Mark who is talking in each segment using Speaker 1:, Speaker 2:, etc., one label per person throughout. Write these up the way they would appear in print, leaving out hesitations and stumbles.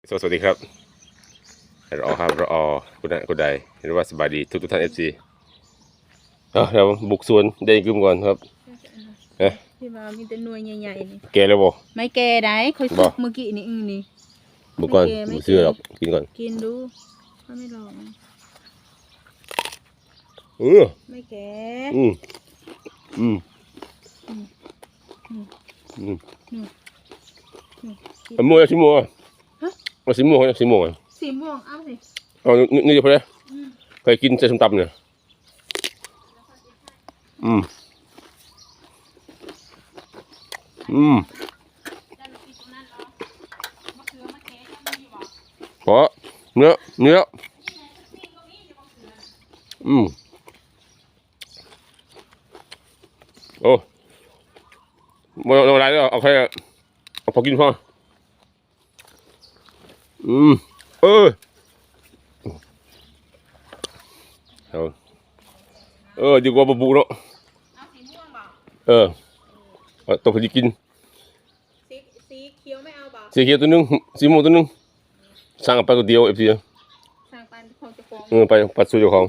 Speaker 1: สวัสดีครับรอครับรอคุณใดหรือว่าสบายดีทุกท่านFCเราบุกสวนได้กึมก่อนครับ
Speaker 2: ที่ว่ามีแต่หน่วยใหญ่ๆนี่
Speaker 1: แกแล้วบ่
Speaker 2: ไม่แก่ได้ค่อยสุกเมื่อกี้นี่นี่
Speaker 1: บุกก่อนบุกเสื้อหรอกกินก่อน
Speaker 2: กินดูเขาไม่ลองไม่แก่
Speaker 1: มัวชิมัวเอาสีม่วงสีม่วง
Speaker 2: สีม่วงเอาสิ
Speaker 1: เอานี่เดี๋ยวพอแล้วเคยกินใส่ส้มตำเนี่ยเพราะเนื้อโอ้ไม่เอาอะไรแล้วเอาแค่เอาพอกินพอดีกว่าบะบุเนาะ
Speaker 2: เอาสีม่วงบ่
Speaker 1: ตัวพอดีกิน
Speaker 2: สีเขียวไม่เอาบ่
Speaker 1: สีเขียวตัวนึงสีม่วงตัวนึงสั่งไปตัวเดียวFC
Speaker 2: สั่งไปของเจ้าของ
Speaker 1: ไปปัดสู่เจ้าของ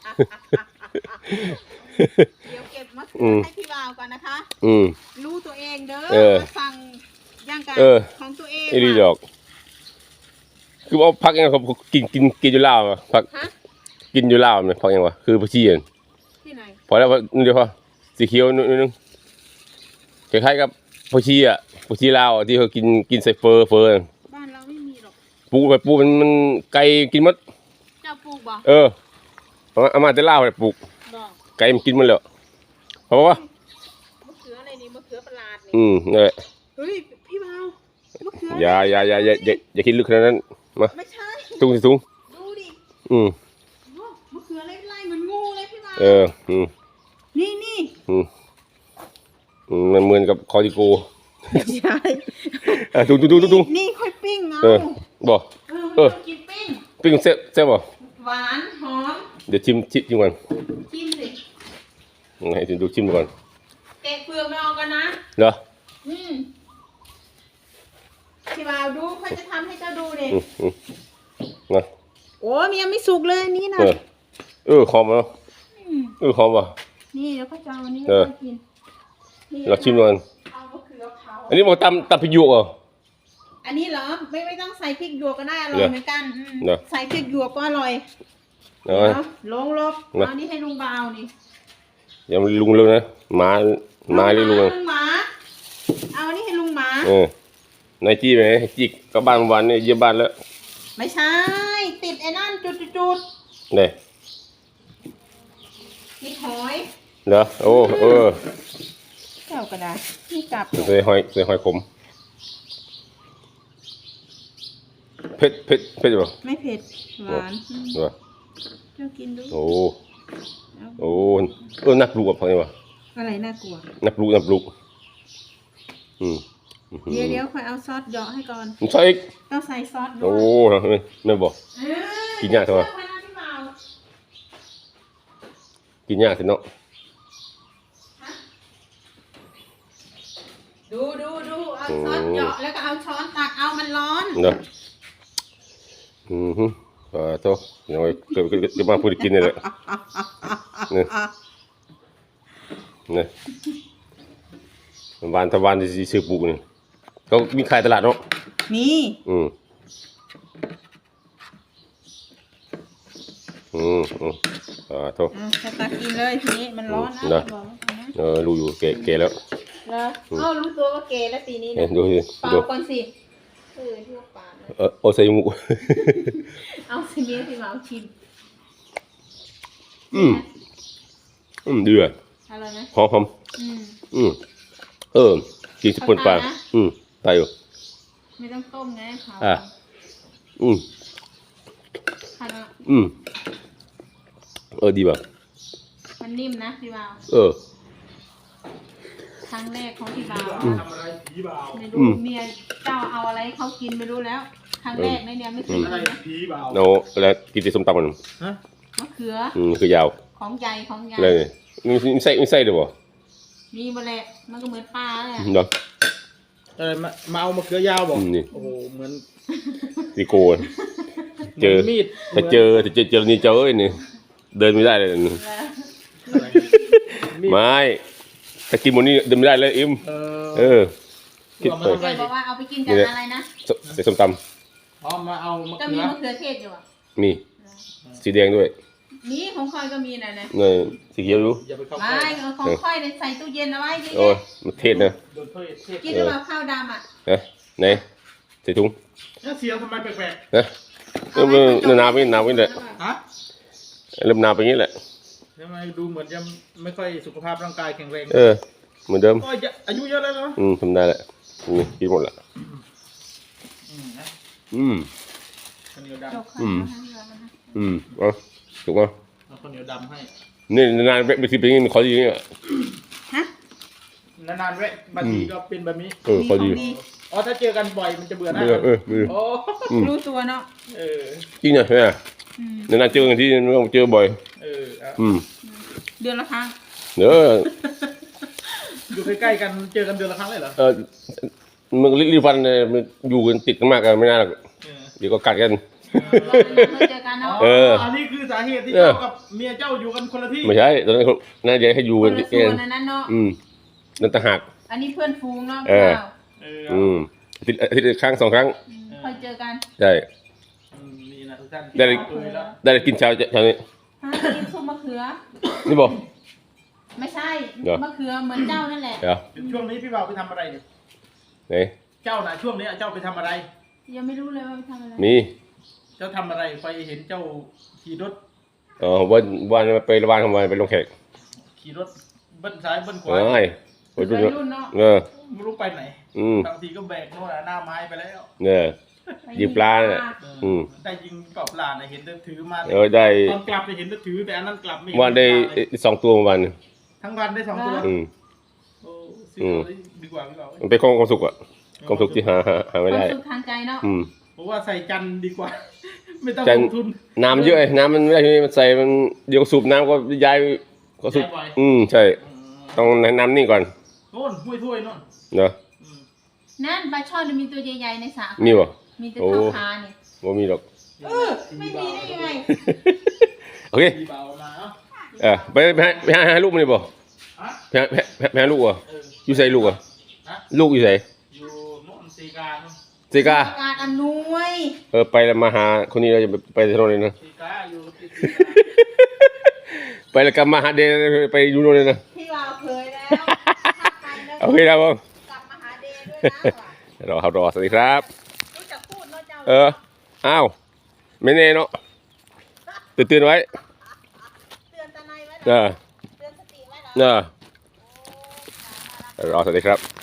Speaker 2: เดี๋ยวเก็บมาให้พี่บ่าวก่อนนะคะรู้ตัวเองเด้อสั่งย่างกันของตัวเอง
Speaker 1: อีดีดอกคือว่าพักยังเขากินอยู่ลาวพักกินอยู่ลาวเนี่ยพักยังวะคือผักชี
Speaker 2: ที่ไหน
Speaker 1: พอแล้วเดี๋ยวพอสีเขียวนิดนึงคล้ายๆกับผักชีผักชีลาวที่เขากินใส่เฟอร์
Speaker 2: บ้านเราไม่มีหรอก
Speaker 1: ปลูกมันไก่กินมัด
Speaker 2: เจ้าปลูกบ่
Speaker 1: เอามาแต่ลาวเลยปลูกไก่มันกินมันเลยเพราะว่ามะ
Speaker 2: เขืออะไรนี่มะเขือประหลาดนี่
Speaker 1: นี่นแหละ
Speaker 2: เฮ้ยพี่บ่าวมะเขือ
Speaker 1: อย่าคิดลึกขนาดนั้นมา
Speaker 2: ไม่ใช่
Speaker 1: สูง
Speaker 2: ดูดิมะเขืออะไรเหมือนงูเลยพี่บ่าวนี่
Speaker 1: มันเหมือนกับคอติโก
Speaker 2: ใช่
Speaker 1: ดู
Speaker 2: นี่ค่อยปิ้ง
Speaker 1: บ่
Speaker 2: กิน
Speaker 1: ปิ้งแซ่บบ่
Speaker 2: หวานหอม
Speaker 1: เดี๋ยวชิมก่อน
Speaker 2: ชิมสิ
Speaker 1: ให้ดูชิมก่อน
Speaker 2: แกะเปลือกไม่เอากันนะ
Speaker 1: เหรอ
Speaker 2: พี่บ่าวดูเขาจะทำให้เจ้าดูดิ
Speaker 1: นะ
Speaker 2: โอ้มันยังไม่สุกเลยนี่นะ
Speaker 1: หอมเนาะหอมว่ะ
Speaker 2: นี่แล้วก็จะเอาอันนี้กิน
Speaker 1: เราชิมก่อนอันนี้บอกตำพริกหยวกเหรอ
Speaker 2: อันนี้เหรอไม่ต้องใส่พริกหยวกก็ได้อร่อยเหมือนกันใส่พริกหยวกก็อร่อยลงลบเอานี่ให้ลุงบ่าวนี่
Speaker 1: อย่าลุงเลยนะหมาเรียกลุง
Speaker 2: หมาเอานี่ให้ลุงหม
Speaker 1: านายจี้ไหมจี้ก็บ้านวันนี่เยี่ยมบ้านแล้ว
Speaker 2: ไม่ใช่ติดไอ้นั่นจุด
Speaker 1: เนี่ย
Speaker 2: ติดหอย
Speaker 1: เหรอโอ้
Speaker 2: เจ้าก็ได้นี่กลับ
Speaker 1: ใส่หอยขมเผ็ดหรอ
Speaker 2: ไม่เผ็ดหวาน
Speaker 1: เหรอ
Speaker 2: เจ้ากินดู
Speaker 1: โอ้นักปลูกกับพังนี่วะ
Speaker 2: อะไรน่ากลัว
Speaker 1: นักปลูก
Speaker 2: เดี๋ยวค่อยเอาซอสเหยาะให้ก่อน
Speaker 1: ใส่
Speaker 2: ต้องใส่ซอส
Speaker 1: ด้วยไม่บอกกินยากเท่าไหร่กินยากสิเนาะ
Speaker 2: ดูเอาซอสเหยาะแล้วก็เอาช้อนตักเอามันร้อน
Speaker 1: เนาะโตยังไงจะมาพูดกินนี่แหละนี่วันที่ซื้อปลูกนี่เขามีขายตลาดเนาะ
Speaker 2: มี
Speaker 1: โต
Speaker 2: ตักกินเลยทีนี้มันร้อนนะ
Speaker 1: รู้อยู่เก๋แล้ว
Speaker 2: รู้ตัวว่าเก๋แล้วปีนี้นะ
Speaker 1: ดูสิ
Speaker 2: เป่าก่อนสิที่ว่าปา
Speaker 1: ดใส่หมู
Speaker 2: เอาสิเมียที่มาเอาชิม
Speaker 1: เดือด
Speaker 2: อะไรนะ
Speaker 1: หอมกินสปนปลาตายอยู่
Speaker 2: ไม่ต้องต้มไงค่ะ
Speaker 1: ดีป่ะ
Speaker 2: มันนิ่มนะพี่บ่าวครั้งแรกของพี่บ่าวไม่รู้เมียเจ้าเอาอะไรเขากินไม่รู้แล้วครั้งแรกในเนี่ยไม่เคยกินนะ
Speaker 1: เราแล้วกินแต่ส้มตำมัน
Speaker 2: มะเขือ
Speaker 1: คือยาว
Speaker 2: ของใหญ่
Speaker 1: เลยมีไส้ด้วยบ่
Speaker 2: มีมาแหละมันก็เหมือนปลาเลย
Speaker 1: เนาะ
Speaker 3: มาเอามะเขือยาวบอก
Speaker 1: นี่
Speaker 3: โอ้โหเหมือน
Speaker 1: ตีโกนเจอ
Speaker 3: มีด
Speaker 1: ถ้าเจอนี่เจอนี่เดินไม่ได้เลยนี่
Speaker 3: อะไรมีด
Speaker 1: ไม่ถ้ากินหมดนี่เดินไม่ได้เลยอิมเออ คิด
Speaker 3: เอามา
Speaker 1: เปิด
Speaker 3: ทำอะไร
Speaker 2: บอกว่าเอาไปกินกับอะไรนะ
Speaker 1: ใส่ส้มต
Speaker 3: อ๋อมาเอามะ
Speaker 2: ก็
Speaker 3: เขื
Speaker 2: มี
Speaker 3: อ
Speaker 2: มะเขือเทศอยู่อ่ะ
Speaker 1: ำมีสีแดงด้วย
Speaker 2: นี่ของคอยก็มีนะ
Speaker 1: เนี่ยสีเขียวรู้
Speaker 3: อย่าไปเข้า
Speaker 2: ไม่เอาของคอยเนี่ยใส่ตู้เย็นเอาไว้ดิ
Speaker 1: โอ้ยมันเทศนะ
Speaker 3: โดนเทศ
Speaker 2: กินหรือเปล่าข้าวดำอ่ะ
Speaker 1: นะไหนใส่ถุง
Speaker 3: แล้วเสียงทำไมแปลก
Speaker 1: นะเริ่มหนาวไปเลย
Speaker 3: ๆฮะ
Speaker 1: เริ่มหนาวไปงี้แหละ
Speaker 3: ทำไมดูเหมือนจะไม่ค่อยสุขภาพร่างกายแข็งแรง
Speaker 1: เหมือนเดิม
Speaker 3: ก็อายุเยอะแล้วเนาะ
Speaker 1: ทำได้แหละนี่กินหมดละ
Speaker 3: นะ
Speaker 1: อืม
Speaker 3: ข้าวเหนียว
Speaker 2: จ
Speaker 3: ดำ
Speaker 2: กข้าวมาให้เรานะ
Speaker 1: เอาถูกไหม
Speaker 3: เอาข้าวเหนียวดำให้
Speaker 1: นี่นานๆไปทีเป็นอย่างนี้มันขอดีอย่างเงี้ย
Speaker 2: ฮะ
Speaker 3: นานๆแวะบางทีก็เป็นแบบนี้
Speaker 1: ขอดี
Speaker 3: อ๋อถ้าเจอกันบ่อยมันจะเบื่อหน้า
Speaker 1: มือ
Speaker 3: โอ้
Speaker 2: รู้ตัวเนาะ
Speaker 3: เออ
Speaker 1: จริงเหรอแม่
Speaker 2: อืม
Speaker 1: นานๆเจอกันที่ไม่ต้องเจอบ่อย
Speaker 3: เออเอา
Speaker 2: เดือนละครั้ง
Speaker 1: เด้อ
Speaker 3: อยู่ใกล้ๆกันเจอกันเดือนละครั้งเลยเหรอ
Speaker 1: มึงรีบฟันเนี่ยมันอยู่กันติดกันมากกันไม่น่าหรอก
Speaker 3: เออ
Speaker 1: เดี๋ยวก็กัดกัน
Speaker 2: เราเคยเจอกันเนาะ
Speaker 3: อันนี้คือสาเหตุที่เจ้ากับเมียเจ้าอยู่กันคนละที่
Speaker 1: ไม่ใช่ตอนนั้นน่าจะให้อยู่
Speaker 2: ค
Speaker 1: กัน
Speaker 2: นละ
Speaker 1: ติด
Speaker 2: ส่
Speaker 1: กั
Speaker 2: วน นนั้นเนาะ
Speaker 1: นั่นต่างหาก
Speaker 2: อันนี้เพื่อนฟูงเนาะ
Speaker 1: เออ
Speaker 2: เปล่า
Speaker 3: เออ
Speaker 1: อาทิตย์ครั้ง2 ครั้ง
Speaker 2: เคยเจอกัน
Speaker 1: ใช่
Speaker 3: นี่นะทุกท่าน
Speaker 1: ได้
Speaker 3: คุยแล้ว
Speaker 1: ได้กินเช้าเช้านี้
Speaker 2: ฮะกินซุปมะเขือ
Speaker 1: นี่บอก
Speaker 2: ไม่ใช่
Speaker 1: เหรอ
Speaker 2: มะเขือเหมือนเจ้านั่นแหละ
Speaker 1: เดี๋ยว
Speaker 3: ช่วงนี้พี่บ่าวไปทำอะไรเนี่ย
Speaker 1: ไหน
Speaker 3: เจ้าน่ะช่วงนี้เจ้าไปทำอะไร
Speaker 2: ยังไม่รู้เลยว่าไปทำอะไร
Speaker 1: มี
Speaker 3: เจ้าทำอะไรไปเห็นเจ้าขี่รถ
Speaker 1: วันไประบานทำไมไปลงแขก
Speaker 3: ขี่รถเบิ้ลซ้ายเบิ้ลขวา
Speaker 1: เอ้ยไป
Speaker 2: วั
Speaker 1: ดู
Speaker 2: ย
Speaker 1: เนาะ
Speaker 2: รุ่นเนาะ
Speaker 3: ไม่รู้ไปไหน
Speaker 1: อืม
Speaker 3: บางทีก็แบกโน่นน่ะหน้าไม้ไปแล้ว
Speaker 1: เนี่ย
Speaker 2: ไป
Speaker 1: ยิงปลาเนี่ย
Speaker 3: ได้ยิงเปล่าปลาน่ะเห็นแต่ถือมา
Speaker 1: ได้
Speaker 3: ตอนกลับเนี่ยเห็นแต่ถือแต่อันนั้นกลับไม่เห็น
Speaker 1: วันได้
Speaker 3: ปลาเลย
Speaker 1: 2 ตัววัน
Speaker 3: ทั้งวันได้2 ตัว
Speaker 1: อืม
Speaker 3: โอ้ซื้อเอาเลยดีกว่าพี่บ่าว
Speaker 1: มันเป็นความสุขอะความสุขที่หาไม่
Speaker 2: ควา
Speaker 1: ได้
Speaker 2: มสุขทางใจเนาะ
Speaker 3: ผมว่าใส่จันทร์ดีกว่า ไม่ต้อง
Speaker 1: จัน
Speaker 3: ลงทุน
Speaker 1: น้ำเยอะไอ้น้ำมันไม่ได้ที่นี่มันใส่มันเดี๋ยวสูบน้ำก็ย้ายก็สูบ
Speaker 3: ย้ายบ่อย
Speaker 1: ใช่ ต้องให้น้ำนิ่งก่อน
Speaker 3: โน่นห้วยถ้วยโน่น
Speaker 1: เนาะ
Speaker 3: อืม
Speaker 2: นั่นปลาช่อนมีตัวใหญ่ๆในสระ
Speaker 1: มีบ่
Speaker 2: มีแต่
Speaker 1: โอ้
Speaker 2: เท่าขาเนี่ย
Speaker 1: บ่มีหรอก
Speaker 2: ไม่มีได้ยังไง
Speaker 1: โอเค
Speaker 3: พี่บ่าวมาเอ้า
Speaker 1: ไปหาลูกมันดิบ่
Speaker 3: ฮะ
Speaker 1: ไปหาลูกอ่ะ
Speaker 3: เออ
Speaker 1: อยู่ใส่ลูกอ่ะ
Speaker 3: ฮะ
Speaker 1: ลูกอยู่ใส่
Speaker 3: อยู่โน่นสีกาโน่น
Speaker 1: เซกา
Speaker 2: การอำนวย
Speaker 1: ไปแล้วมาหาคนนี้เราจะไปถนนเลยนะ
Speaker 3: สีกาอยู่ที่สีกา
Speaker 1: ไปแล้วกลับมาหาเดนไปอยู่โน่นเลยนะ
Speaker 2: พี่วาวเคยแล้วถ้าไปแล้ว
Speaker 1: โอเคครับผม
Speaker 2: กลับมาหาเดย์ด้วยนะว่ะ
Speaker 1: รอสวัสดีครับ
Speaker 2: รู้จักพูดเนาะเจ้า
Speaker 1: อ้าวไม่แน่เนาะตื่นไว้
Speaker 2: เตือนตาในไว้
Speaker 1: เอ
Speaker 2: เหรอ
Speaker 1: อ
Speaker 2: เตือนสติไว้เหรอ
Speaker 1: รอสวัสดีครับ